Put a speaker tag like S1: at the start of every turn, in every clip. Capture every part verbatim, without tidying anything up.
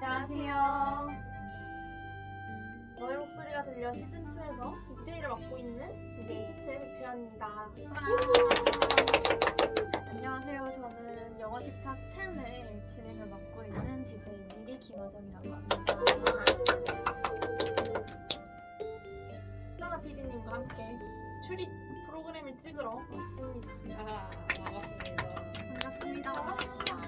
S1: 안녕하세요. 너의 목소리가 들려 시즌이에서 디제이를 맡고 있는 디제이 채채 백채연입니다.
S2: 안녕하세요. 저는 영어 식탁 텐의 진행을 맡고 있는 디제이 미리 김하정이라고 합니다.
S1: 현아 피디님과 함께 출입 프로그램을 찍으러 왔습니다.
S3: 아, 반갑습니다.
S2: 반갑습니다.
S1: 반갑습니다.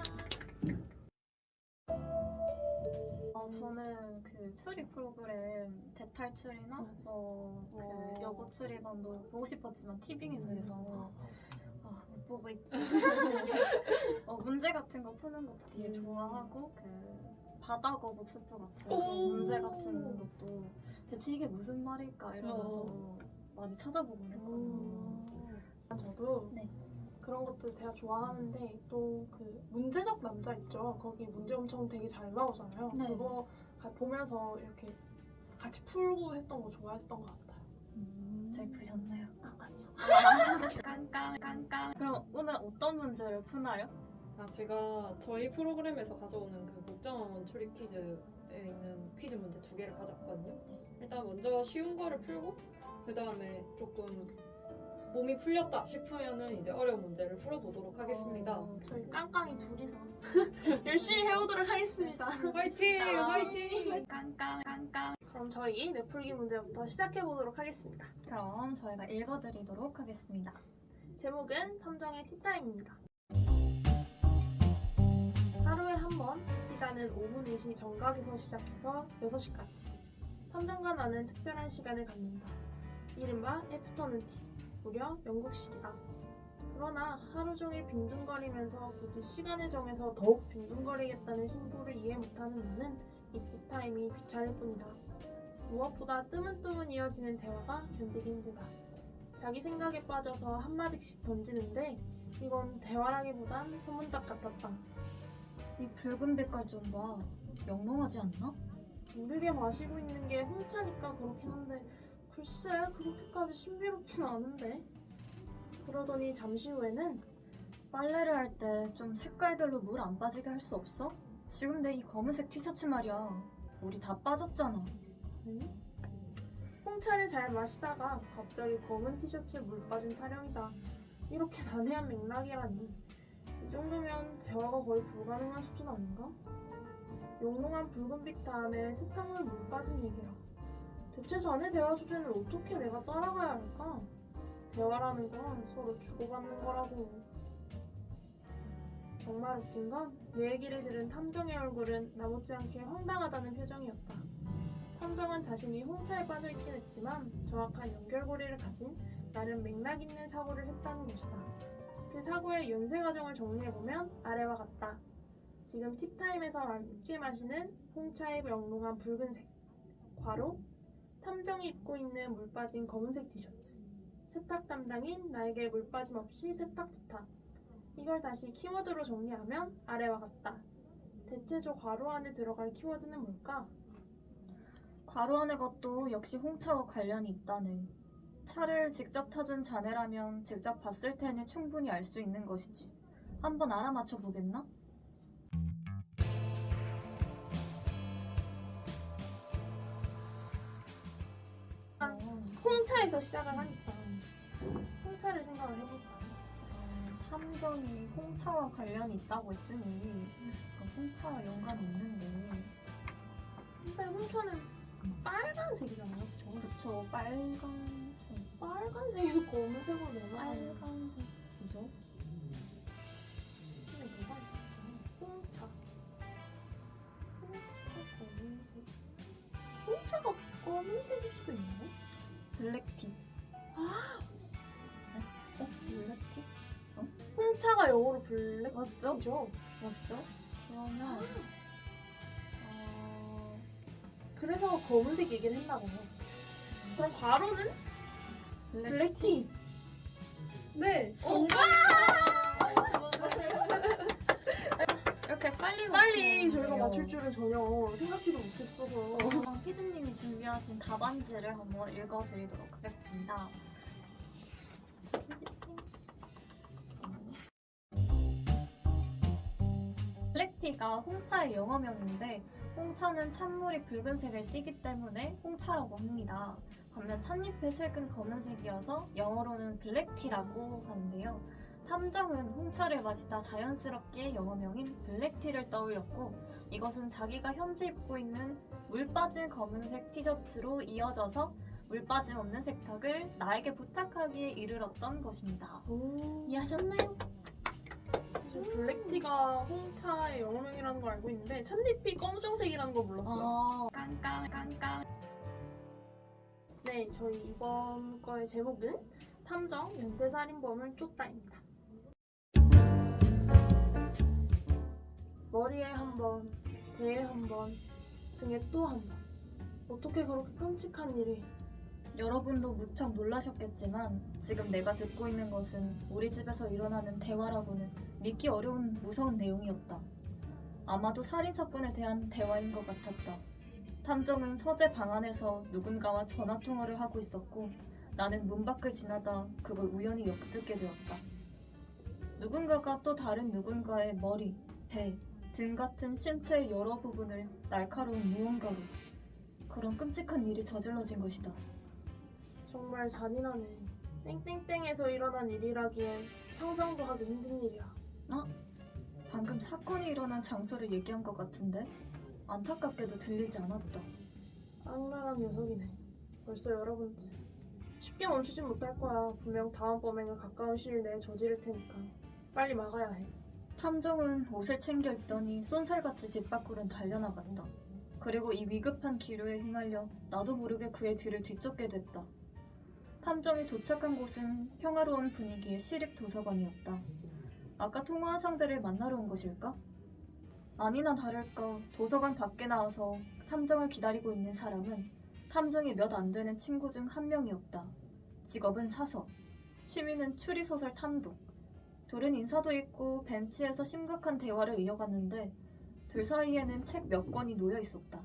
S2: 어, 저는 그 출입 프로그램 대탈출이나 어,
S1: 어.
S2: 그 여고 출입원도 보고 싶었지만 티빙에서 해서 아, 못 보고 있지. 어, 문제 같은 거 푸는 것도 되게 좋아하고 그 바다거 복수프 같은
S1: 오.
S2: 문제 같은 것도 대체 이게 무슨 말일까 이러면서
S1: 어.
S2: 많이 찾아보고 했거든요.
S1: 저도
S2: 네.
S1: 그런 것도 되게 좋아하는데 또 그 문제적 남자 있죠. 거기 문제 엄청 되게 잘 나오잖아요.
S2: 네.
S1: 그거 가- 보면서 이렇게 같이 풀고 했던 거 좋아했던 것 같아요.
S2: 음, 잘 푸셨나요?
S1: 아, 아니요.
S2: 깡깡 깡깡. 그럼 오늘 어떤 문제를 푸나요?
S3: 아, 제가 저희 프로그램에서 가져오는 그 국정원 출입 퀴즈에 있는 퀴즈 문제 두 개를 가져왔거든요. 일단 먼저 쉬운 거를 풀고 그 다음에 조금 몸이 풀렸다 싶으면은 이제 어려운 문제를 풀어보도록 하겠습니다.
S2: 어,
S1: 저희 깡깡이 둘이서 열심히 해오도록 하겠습니다.
S3: 화이팅!
S1: 아.
S3: 화이팅!
S2: 깡깡 깡깡.
S1: 그럼 저희 내풀기 문제부터 시작해보도록 하겠습니다.
S2: 그럼 저희가 읽어드리도록 하겠습니다.
S1: 제목은 탐정의 티타임입니다. 하루에 한 번, 시간은 오후 네 시 정각에서 시작해서 여섯 시까지. 탐정과 나는 특별한 시간을 갖는다. 이른바 애프터눈 티, 무려 영국식이다. 그러나 하루 종일 빈둥거리면서 굳이 시간을 정해서 더욱 빈둥거리겠다는 신부를 이해 못하는 나는 이 티타임이 귀찮을 뿐이다. 무엇보다 뜨문뜨문 이어지는 대화가 견디기 힘들다. 자기 생각에 빠져서 한마디씩 던지는데 이건 대화라기보단 소문딱 같았다.
S2: 이 붉은 빛깔 좀 봐. 영롱하지 않나?
S1: 모르게 마시고 있는 게 홍차니까 그렇긴 한데 글쎄 그렇게까지 신비롭진 않은데. 그러더니 잠시 후에는
S2: 빨래를 할 때 좀 색깔별로 물 안 빠지게 할 수 없어? 지금 내 이 검은색 티셔츠 말이야. 물이 다 빠졌잖아.
S1: 응? 홍차를 잘 마시다가 갑자기 검은 티셔츠에 물 빠진 타령이다. 이렇게 난해한 맥락이라니. 이 정도면 대화가 거의 불가능한 수준 아닌가? 영롱한 붉은빛 다음에 세탁물 물 빠진 얘기라. 대체 자네 대화 주제는 어떻게 내가 따라가야 할까? 대화라는 건 서로 주고받는 거라고. 정말 웃긴 건 내 얘기를 들은 탐정의 얼굴은 나머지 않게 황당하다는 표정이었다. 탐정은 자신이 홍차에 빠져있긴 했지만 정확한 연결고리를 가진 나름 맥락 있는 사고를 했다는 것이다. 그 사고의 연쇄 과정을 정리해보면 아래와 같다. 지금 티타임에서 함께 마시는 홍차의 영롱한 붉은색, 괄호, 탐정이 입고 있는 물 빠진 검은색 티셔츠, 세탁 담당인 나에게 물 빠짐 없이 세탁 부탁. 이걸 다시 키워드로 정리하면 아래와 같다. 대체 저 괄호 안에 들어갈 키워드는 뭘까?
S2: 괄호 안의 것도 역시 홍차와 관련이 있다네. 차를 직접 타준 자네라면 직접 봤을 테니 충분히 알 수 있는 것이지. 한번 알아맞혀 보겠나?
S1: 아, 홍차에서 시작을 하니까 홍차를 생각을 해볼까?
S2: 탐정이 홍차와 관련이 있다고 했으니 그럼 홍차와 연관이 있는데.
S1: 근데 홍차는 빨간색이잖아요.
S2: 그쵸, 빨간색.
S1: 빨간색에서 검은색으로 넘어가는
S2: 빨간색. 그죠?
S1: 근데 뭐가 있을까? 홍차. 홍차 검은색. 홍차가 검은색일 수도 있나요?
S2: 블랙티. 아! 어? 블랙티?
S1: 홍차가 영어로 블랙
S2: 맞죠?
S1: 티죠?
S2: 맞죠? 그러면 어...
S1: 그래서 검은색 얘기를 했나 봐요. 그럼 괄호는 블랙티. 네, 정답!
S2: 이렇게 빨리
S1: 빨리
S2: 맞추면
S1: 저희가
S2: 돼요.
S1: 맞출 줄은 전혀 생각지도 못했어서.
S2: 그럼 피디님이 준비하신 답안지를 한번 읽어드리도록 하겠습니다. 블랙티가 홍차의 영어명인데 홍차는 찬물이 붉은색을 띠기 때문에 홍차라고 합니다. 반면 찻잎의 색은 검은색이어서 영어로는 블랙티라고 하는데요. 탐정은 홍차를 마시다 자연스럽게 영어명인 블랙티를 떠올렸고 이것은 자기가 현재 입고 있는 물 빠진 검은색 티셔츠로 이어져서 물 빠짐 없는 색탁을 나에게 부탁하기에 이르렀던 것입니다.
S1: 오.
S2: 이해하셨나요?
S1: 저 블랙티가 홍차의 영어명이라는 걸 알고 있는데 찻잎이 검정색이라는 걸 몰랐어요.
S2: 어, 깡깡 깡깡.
S1: 네, 저희 이번 거의 제목은 탐정 연쇄살인범을 쫓다입니다. 머리에 한 번, 배에 한 번, 등에 또 한 번. 어떻게 그렇게 끔찍한 일이?
S2: 여러분도 무척 놀라셨겠지만 지금 내가 듣고 있는 것은 우리 집에서 일어나는 대화라고는 믿기 어려운 무서운 내용이었다. 아마도 살인사건에 대한 대화인 것 같았다. 탐정은 서재 방 안에서 누군가와 전화통화를 하고 있었고 나는 문 밖을 지나다 그걸 우연히 엿듣게 되었다. 누군가가 또 다른 누군가의 머리, 배, 등 같은 신체의 여러 부분을 날카로운 무언가로 그런 끔찍한 일이 저질러진 것이다.
S1: 정말 잔인하네. 땡땡땡에서 일어난 일이라기엔 상상도 하기 힘든 일이야.
S2: 방금 사건이 일어난 장소를 얘기한 것 같은데 안타깝게도 들리지 않았다.
S1: 악랄한 녀석이네. 벌써 여러 번째. 쉽게 멈추진 못할 거야. 분명 다음 범행을 가까운 시일 내에 저지를 테니까. 빨리 막아야 해.
S2: 탐정은 옷을 챙겨 입더니 쏜살같이 집 밖으로 달려나갔다. 그리고 이 위급한 기류에 휘말려 나도 모르게 그의 뒤를 뒤쫓게 됐다. 탐정이 도착한 곳은 평화로운 분위기의 시립 도서관이었다. 아까 통화한 상대를 만나러 온 것일까? 아니나 다를까 도서관 밖에 나와서 탐정을 기다리고 있는 사람은 탐정이 몇 안 되는 친구 중 한 명이었다. 직업은 사서, 취미는 추리소설 탐독. 둘은 인사도 있고 벤치에서 심각한 대화를 이어갔는데 둘 사이에는 책 몇 권이 놓여 있었다.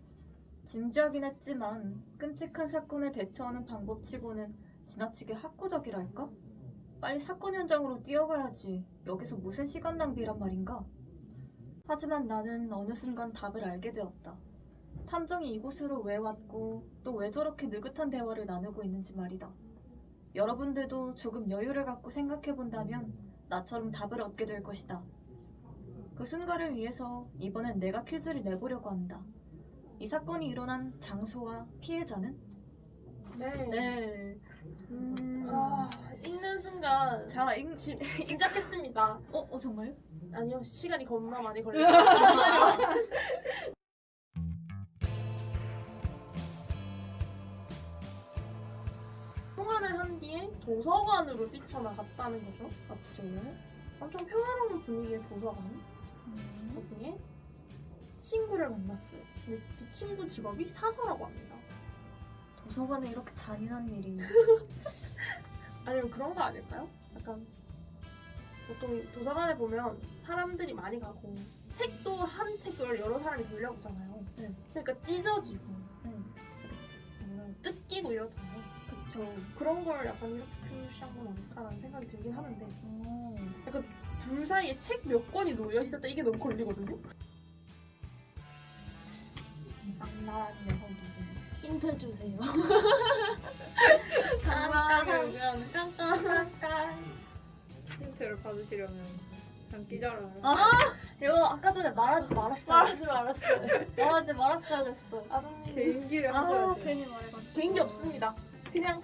S2: 진지하긴 했지만 끔찍한 사건에 대처하는 방법치고는 지나치게 학구적이랄까? 빨리 사건 현장으로 뛰어가야지. 여기서 무슨 시간 낭비란 말인가? 하지만 나는 어느 순간 답을 알게 되었다. 탐정이 이곳으로 왜 왔고 또 왜 저렇게 느긋한 대화를 나누고 있는지 말이다. 여러분들도 조금 여유를 갖고 생각해본다면 나처럼 답을 얻게 될 것이다. 그 순간을 위해서 이번엔 내가 퀴즈를 내보려고 한다. 이 사건이 일어난 장소와 피해자는?
S1: 네.
S2: 네. 음...
S1: 아, 읽는 순간
S2: 자, 잉...
S1: 지, 짐작했습니다.
S2: 어, 어 정말요?
S1: 아니요, 시간이 겁나 많이 걸려요. 통화를 한 뒤에 도서관으로 뛰쳐나갔다는 거죠.
S2: 맞죠.
S1: 엄청 평화로운 분위기의 도서관.
S2: 음...
S1: 거기에 친구를 만났어요. 근데 그 친구 직업이 사서라고 합니다.
S2: 도서관에 이렇게 잔인한 일이.
S1: 아니면 그런 거 아닐까요? 약간 보통 도서관에 보면 사람들이 많이 가고 책도 한 책을 여러 사람이 돌려보잖아요.
S2: 네.
S1: 그러니까 찢어지고
S2: 네.
S1: 뭔가 뜯기고 이러잖아요.
S2: 그쵸.
S1: 그런 걸 약간 이렇게 표시한 건 아닐까라는 생각이 들긴 하는데
S2: 오.
S1: 약간 둘 사이에 책 몇 권이 놓여 있었다 이게 너무 걸리거든요.
S2: 악랄한 녀석이.
S1: 힌트 주세요.
S2: 깜깜.
S1: 그냥 깜깜.
S2: 잠깐.
S3: 힌트를 받으시려면 그냥 끼자라요.
S2: 아, 이거 아까 전에 말하지 말았어야
S1: 말하지 말았어요.
S2: 말하지 말았어야 됐어.
S1: 아정님
S3: 개인기를
S2: 아,
S3: 하셔야지.
S2: 괜히 말해가지고.
S1: 개인기 없습니다. 그냥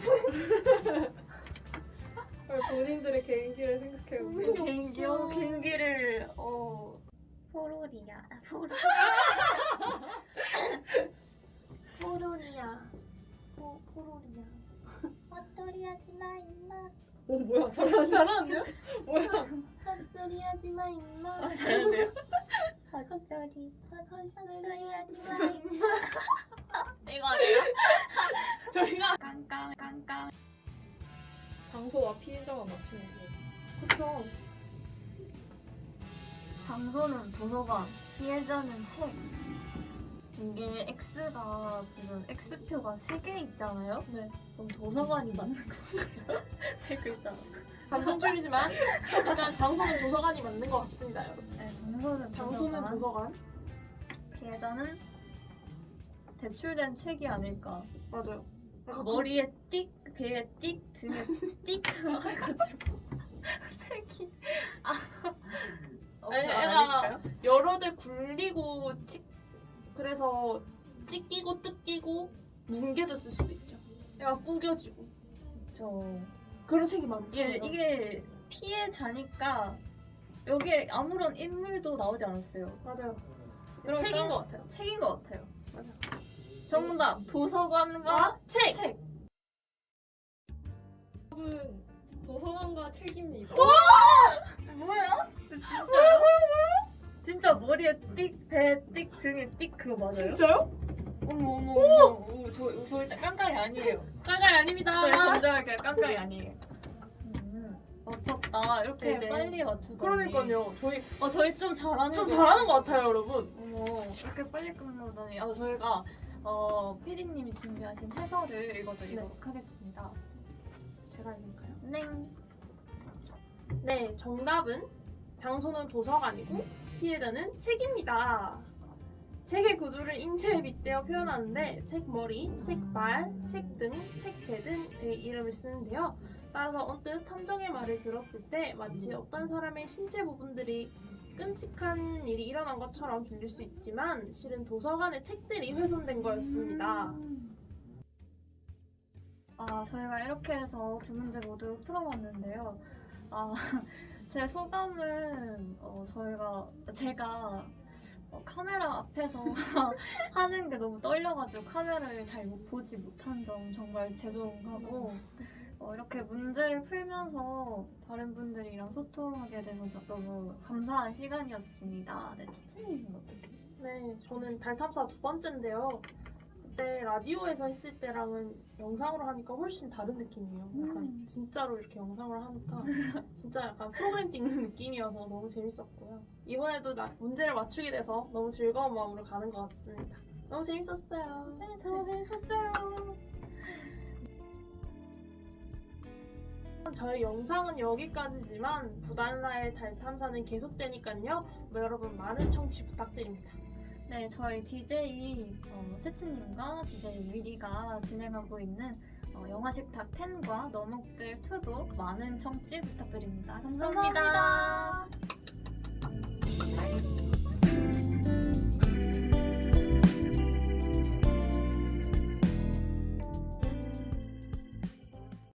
S3: 본인들의 개인기를 생각해보세요.
S2: 개인기요? 개인기를 어 포로리야. 포로.
S1: 포로리아. 포 포로리아.
S2: 헛소리 하지 마 임마.
S3: 오 뭐야 잘하
S1: 잘하는데요?
S3: 뭐야?
S1: 헛소리 하지 마 임마.
S2: 아, 잘하는데요? 헛소리 헛소리 하지 마 임마. 이거 아니야?
S1: 저희가
S2: 깡깡 깡깡.
S3: 장소와 피해자만 맞추면 돼요.
S1: 그쵸.
S2: 장소는 도서관, 피해자는 책. 이게 X가 지금 X표가 세 개 있잖아요?
S1: 네.
S2: 그럼 도서관이 맞는 건가요? 세 글자라서.
S1: 감성줄이지만 일단 장소는 도서관이 맞는 것 같습니다, 여러분.
S2: 네, 장소는
S1: 장소는
S2: 도서관.
S1: 도서관.
S2: 피해자는 대출된 책이 아닐까.
S1: 맞아요. 그래서
S2: 머리에 띡, 배에 띡, 등에 띡 해가지고 책이 아, 어,
S1: 아니,
S2: 그거
S1: 애가
S2: 아닐까요?
S1: 여러 대 굴리고 찍 그래서 찢기고 뜯기고 뭉개졌을 수도 있죠. 애가 구겨지고
S2: 저
S1: 그런 책이 많죠.
S2: 이게 이게 피해자니까 여기에 아무런 인물도 나오지 않았어요.
S1: 맞아요.
S2: 그러니까
S1: 책인 것 같아요.
S2: 책인 것 같아요.
S1: 맞아.
S2: 정답 도서관과
S1: 아, 책.
S2: 책.
S3: 여러분 도서관과 책입니다.
S2: 뭐야? 진짜요? 진짜 머리에 띡, 배에 띡, 등에 띡 그거 맞아요?
S1: 진짜요?
S2: 어머 어머 어머. 어머, 저, 저 일단 깡깡이 아니에요.
S1: 까가이 아닙니다.
S2: 저희 정답할게요. 깡깡이 아니에요. 음, 맞췄다. 이렇게
S1: 이제.
S2: 빨리 맞추다니.
S1: 그러니까요. 저희
S2: 어, 저희 좀 잘하는
S1: 좀
S2: 거
S1: 잘하는 것 같아요, 여러분.
S2: 어머, 이렇게 빨리 끝나다니. 아, 저희가 어, 피디님이 준비하신 해설을 읽어드리도록 하겠습니다.
S1: 제가 읽을까요?
S2: 네.
S1: 네, 정답은 장소는 도서관이고 피해자는 책입니다. 책의 구조를 인체에 빗대어 표현하는데 책머리, 책발, 책등, 책패 등의 이름을 쓰는데요. 따라서 언뜻 탐정의 말을 들었을 때 마치 어떤 사람의 신체 부분들이 끔찍한 일이 일어난 것처럼 들릴 수 있지만 실은 도서관의 책들이 훼손된 거였습니다.
S2: 아, 저희가 이렇게 해서 두 문제 모두 풀어봤는데요. 아, 제 소감은 어, 저희가 제가 어, 카메라 앞에서 하는 게 너무 떨려가지고 카메라를 잘 못 보지 못한 점 정말 죄송하고 어, 이렇게 문제를 풀면서 다른 분들이랑 소통하게 돼서 저- 너무 감사한 시간이었습니다. 네, 치치님은 어떻게?
S1: 네, 저는 달 탐사 두 번째인데요. 그때 라디오에서 했을 때랑은 영상으로 하니까 훨씬 다른 느낌이에요. 약간
S2: 음.
S1: 진짜로 이렇게 영상을 하니까 진짜 약간 프로그램 찍는 느낌이어서 너무 재밌었고요. 이번에도 나, 문제를 맞추게 돼서 너무 즐거운 마음으로 가는 것 같습니다. 너무 재밌었어요.
S2: 네, 저도 재밌었어요.
S1: 저희 영상은 여기까지지만 부달라의 달 탐사는 계속되니까요. 뭐 여러분 많은 청취 부탁드립니다.
S2: 네, 저희 디제이 어, 채치님과 디제이 위리가 진행하고 있는 어, 영화식탁 텐과 너목들 투도 많은 청취 부탁드립니다. 감사합니다.
S1: 감사합니다.